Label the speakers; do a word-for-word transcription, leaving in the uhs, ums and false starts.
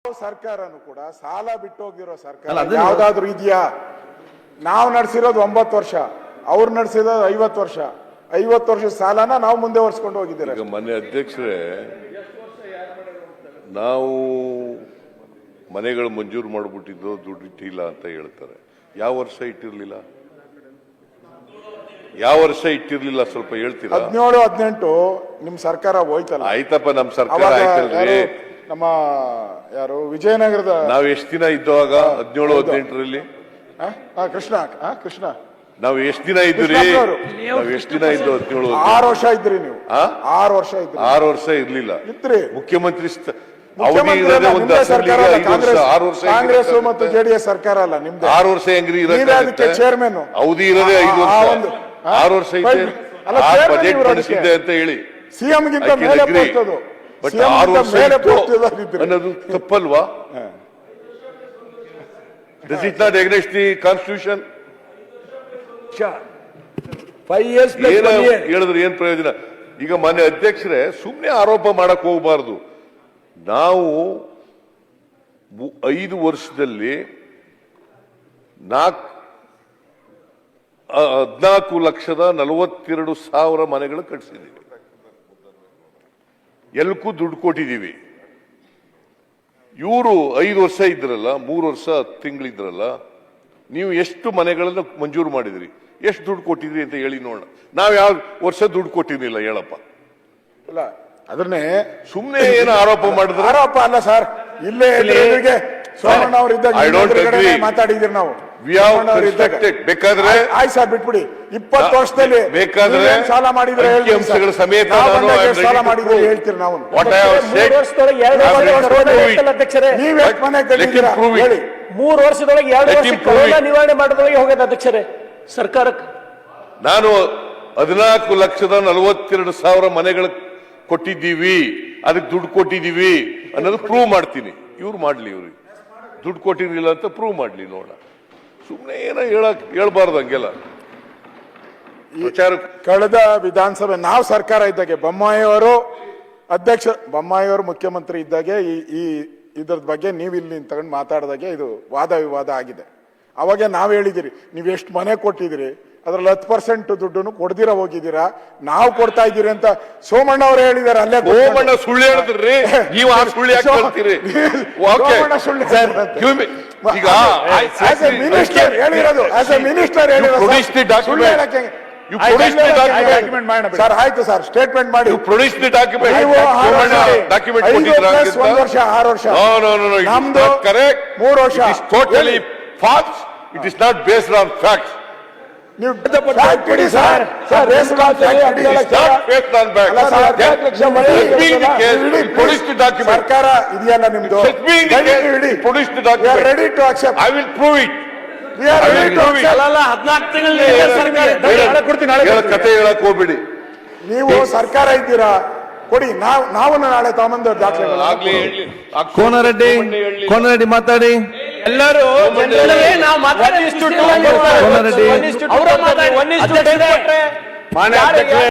Speaker 1: ಸರ್ಕಾರನು ಕೂಡ ಸಾಲ ಬಿಟ್ಟು ಹೋಗಿರೋ ಸರ್ಕಾರ ಯಾವ್ದಾದ್ರು ಇದೆಯಾ? ನಾವು ನಡೆಸಿರೋದು ಒಂಬತ್ತು ವರ್ಷ, ಅವ್ರು ನಡೆಸಿರೋದು ಐವತ್ತು ವರ್ಷ. ಐವತ್ತು ವರ್ಷ ಸಾಲನ ನಾವು ಮುಂದೆ ವರ್ಷಕೊಂಡು ಹೋಗಿದ್ದೀರಾ.
Speaker 2: ಮನೆ ಅಧ್ಯಕ್ಷರೇ, ನಾವು ಮನೆಗಳು ಮಂಜೂರು ಮಾಡಿಬಿಟ್ಟಿದ್ದು ದುಡ್ಡು ಇಟ್ಟಿಲ್ಲ ಅಂತ ಹೇಳ್ತಾರೆ. ಯಾವ ವರ್ಷ ಇಟ್ಟಿರ್ಲಿಲ್ಲ? ಯಾವ ವರ್ಷ ಇಟ್ಟಿರ್ಲಿಲ್ಲ? ಸ್ವಲ್ಪ ಹೇಳ್ತೀರಾ?
Speaker 1: ಹದಿನೇಳು ಹದಿನೆಂಟು ನಿಮ್ ಸರ್ಕಾರ ಹೋಯ್ತಲ್ಲ.
Speaker 2: ಆಯ್ತಪ್ಪ, ನಮ್ ಸರ್ಕಾರ ಆಯ್ತಲ್ರಿ.
Speaker 1: ನಮ್ಮ ಯಾರು ವಿಜಯನಗರದ
Speaker 2: ನಾವ್ ಎಷ್ಟ್ ದಿನ ಇದ್ದುವಾಗ ಹದಿನೇಳು ಹದಿನೆಂಟರಲ್ಲಿ
Speaker 1: ಕೃಷ್ಣ ಕೃಷ್ಣ
Speaker 2: ನಾವ್ ಎಷ್ಟ್ ದಿನ ಇದ್ರಿ? ನಾವ್ ಎಷ್ಟ್ ದಿನ ಇದ್ದು? ಹದಿನೇಳು
Speaker 1: ಆರು ವರ್ಷ ಇದ್ರಿ ನೀವು. ಆರು ವರ್ಷ ಇದ್ರಿ.
Speaker 2: ಆರು ವರ್ಷ ಇರ್ಲಿಲ್ಲ
Speaker 1: ಇದ್ರಿ
Speaker 2: ಮುಖ್ಯಮಂತ್ರಿ
Speaker 1: ಕಾಂಗ್ರೆಸ್ ಮತ್ತು ಜೆಡಿಎಸ್ ಸರ್ಕಾರ ಅಲ್ಲ ನಿಮ್ದು.
Speaker 2: ಆರು ವರ್ಷ ಹೆಂಗ್ರಿ
Speaker 1: ಅದಕ್ಕೆ ಚೇರ್ಮನ್
Speaker 2: ಅವಧಿ ಇರೋದೇ ಐದು ವರ್ಷ. ಆರು ವರ್ಷ ಇದೆ ಬಜೆಟ್ ಮಂಡಿಸಿದ್ದೆ ಅಂತ ಹೇಳಿ
Speaker 1: ಸಿಎಂ ಗಿಂತ ಮೇಲೆ ಪೋಸ್ಟದು.
Speaker 2: ಬಟ್ ಆರು ವರ್ಷ ಅನ್ನೋದು ತಪ್ಪಲ್ವಾ? This is not against the constitution. ಹೇಳಿದ್ರೆ ಏನ್ ಪ್ರಯೋಜನ? ಈಗ ಮಾನ್ಯ ಅಧ್ಯಕ್ಷರೇ, ಸುಮ್ನೆ ಆರೋಪ ಮಾಡಕ್ ಹೋಗಬಾರ್ದು. ನಾವು ಐದು ವರ್ಷದಲ್ಲಿ ನಾಲ್ಕು ಹದಿನಾಲ್ಕು ಲಕ್ಷದ ನಲವತ್ತೆರಡು ಸಾವಿರ ಮನೆಗಳು ಕಟ್ಟಿಸಿದ್ದೀವಿ. ಎಲ್ಲಕ್ಕೂ ದುಡ್ಡು ಕೊಟ್ಟಿದ್ದೀವಿ. ಇವರು ಐದು ವರ್ಷ ಇದ್ರಲ್ಲ, ಮೂರು ವರ್ಷ ಹತ್ತು ತಿಂಗಳಿದ್ರಲ್ಲ, ನೀವು ಎಷ್ಟು ಮನೆಗಳನ್ನು ಮಂಜೂರು ಮಾಡಿದ್ರಿ, ಎಷ್ಟು ದುಡ್ಡು ಕೊಟ್ಟಿದ್ರಿ ಅಂತ ಹೇಳಿ ನೋಡೋಣ. ನಾವ್ ಯಾವ ವರ್ಷ ದುಡ್ಡು ಕೊಟ್ಟಿರ್ಲಿಲ್ಲ ಹೇಳಪ್ಪ.
Speaker 1: ಅಲ್ಲ, ಅದನ್ನೇ
Speaker 2: ಸುಮ್ನೆ ಏನು ಆರೋಪ ಮಾಡಿದ್ರೆ
Speaker 1: ಆರೋಪ ಅಲ್ಲ ಸರ್. ಇಲ್ಲೇ ಸೋಮಣ್ಣ ಅವರು ಇದ್ದಾಗ ಮಾತಾಡಿದ್ರಿ ನಾವು.
Speaker 2: ಬೇಕಾದ್ರೆ
Speaker 1: ಆಯ್ತು ಸರ್, ಬಿಟ್ಬಿಡಿ. ಇಪ್ಪತ್ತು ವರ್ಷದಲ್ಲಿ
Speaker 2: ಬೇಕಾದ್ರೆ
Speaker 1: ಸಾಲ ಮಾಡಿದ್ರೆ
Speaker 2: ಅಂಶಗಳ ಸಮೇತ
Speaker 1: ಸಾಲ ಮಾಡಿದ್ರೆ ಹೇಳ್ತೀರಿ ನಾವು. ನೀವ್ ಎಷ್ಟು ಮನೆ ಕಟ್ಟಿದ್ದೀರಾ ಹೇಳಿ?
Speaker 3: ಮೂರು ವರ್ಷದೊಳಗೆ ಎರಡು ವರ್ಷ ಕೊರೋನಾ ನಿವಾರಣೆ ಮಾಡೋದ್ರೊಳಗೆ ಹೋಗದ ಅಧ್ಯಕ್ಷರೇ ಸರ್ಕಾರಕ್ಕೆ.
Speaker 2: ನಾನು ಹದಿನಾಲ್ಕು ಲಕ್ಷದ ನಲವತ್ತೆರಡು ಸಾವಿರ ಮನೆಗಳು ಕೊಟ್ಟಿದ್ದೀವಿ, ಅದಕ್ಕೆ ದುಡ್ಡು ಕೊಟ್ಟಿದ್ದೀವಿ ಅನ್ನೋದು ಪ್ರೂವ್ ಮಾಡ್ತೀನಿ. ಇವ್ರು ಮಾಡ್ಲಿ, ಇವ್ರಿಗೆ ದುಡ್ಡು ಕೊಟ್ಟಿರ್ಲಿಲ್ಲ ಅಂತ ಪ್ರೂವ್ ಮಾಡ್ಲಿ ನೋಡ. ಸುಮ್ಮನೆ ಏನೋ ಹೇಳಕ್ ಹೇಳ್ಬಾರ್ದು ಹಂಗೆಲ್ಲ ವಿಚಾರ.
Speaker 1: ಕಳೆದ ವಿಧಾನಸಭೆ ನಾವು ಸರ್ಕಾರ ಇದ್ದಾಗೆ ಬೊಮ್ಮಾಯಿಯವರು ಅಧ್ಯಕ್ಷ ಬೊಮ್ಮಾಯಿಯವರು ಮುಖ್ಯಮಂತ್ರಿ ಇದ್ದಾಗೆ ಈ ಈ ಇದ್ರ ಬಗ್ಗೆ ನೀವು ಇಲ್ಲಿ ತಗೊಂಡು ಮಾತಾಡಿದಾಗೆ ಇದು ವಾದ ವಿವಾದ ಆಗಿದೆ. ಅವಾಗ ನಾವ್ ಹೇಳಿದಿರಿ, ನೀವ್ ಎಷ್ಟು ಮನೆ ಕೊಟ್ಟಿದಿರಿ, ಅದ್ರಲ್ಲಿ ಹತ್ತು ಪರ್ಸೆಂಟ್ ದುಡ್ಡನ್ನು ಕೊಡ್ದಿರ ಹೋಗಿದ್ದೀರಾ, ನಾವು ಕೊಡ್ತಾ ಇದ್ದೀರಿ ಅಂತ ಸೋಮಣ್ಣ ಅವರು ಹೇಳಿದಾರೆ. ಅಲ್ಲೇ
Speaker 2: ಸೋಮಣ್ಣ ಸುಳ್ಳು ಹೇಳಿದ್ರಿ, ನೀವು ಆ ಸುಳ್ಳು ಯಾಕೆ ಹೇಳ್ತೀರಿ?
Speaker 1: ಸೋಮಣ್ಣ ಸುಳ್ಳು
Speaker 2: ಈಗ
Speaker 1: ಮಿನಿಸ್ಟರ್ ಹೇಳಿರೋದು, ಆಸ್ ಎ ಮಿನಿಸ್ಟರ್ ಹೇಳಿರೋದು. ಸರ್ ಆಯ್ತು ಸರ್, ಸ್ಟೇಟ್ಮೆಂಟ್ ಮಾಡಿ.
Speaker 2: Produce the document.
Speaker 1: ಒಂದು ವರ್ಷ ಆರು ವರ್ಷ
Speaker 2: ನಮ್ದು ಕರೆಕ್ಟ್.
Speaker 1: ಮೂರು ವರ್ಷ
Speaker 2: totally false. It is not based on facts.
Speaker 1: ನೀವು ಕೊಡಿ ಸರ್. ಸರ್ಕಾರ ಇದೆಯಲ್ಲ ನಿಮ್ದು, ready to accept.
Speaker 2: I will prove it. ಕತೆ ಹೇಳಕ್ ಹೋಗ್ಬಿಡಿ.
Speaker 1: ನೀವು ಸರ್ಕಾರ ಇದ್ದೀರಾ, ಕೊಡಿ. ನಾವು ನಾವು ನಾಳೆ ತಗೊಂಬಂದ ದಾಖಲೆಗಳು.
Speaker 4: ಕೋನರೆಡ್ಡಿ ಕೋನರೆಡ್ಡಿ ಮಾತಾಡಿ.
Speaker 3: ಎಲ್ಲರೂ ನಾವು ಮಾತಾಡಿ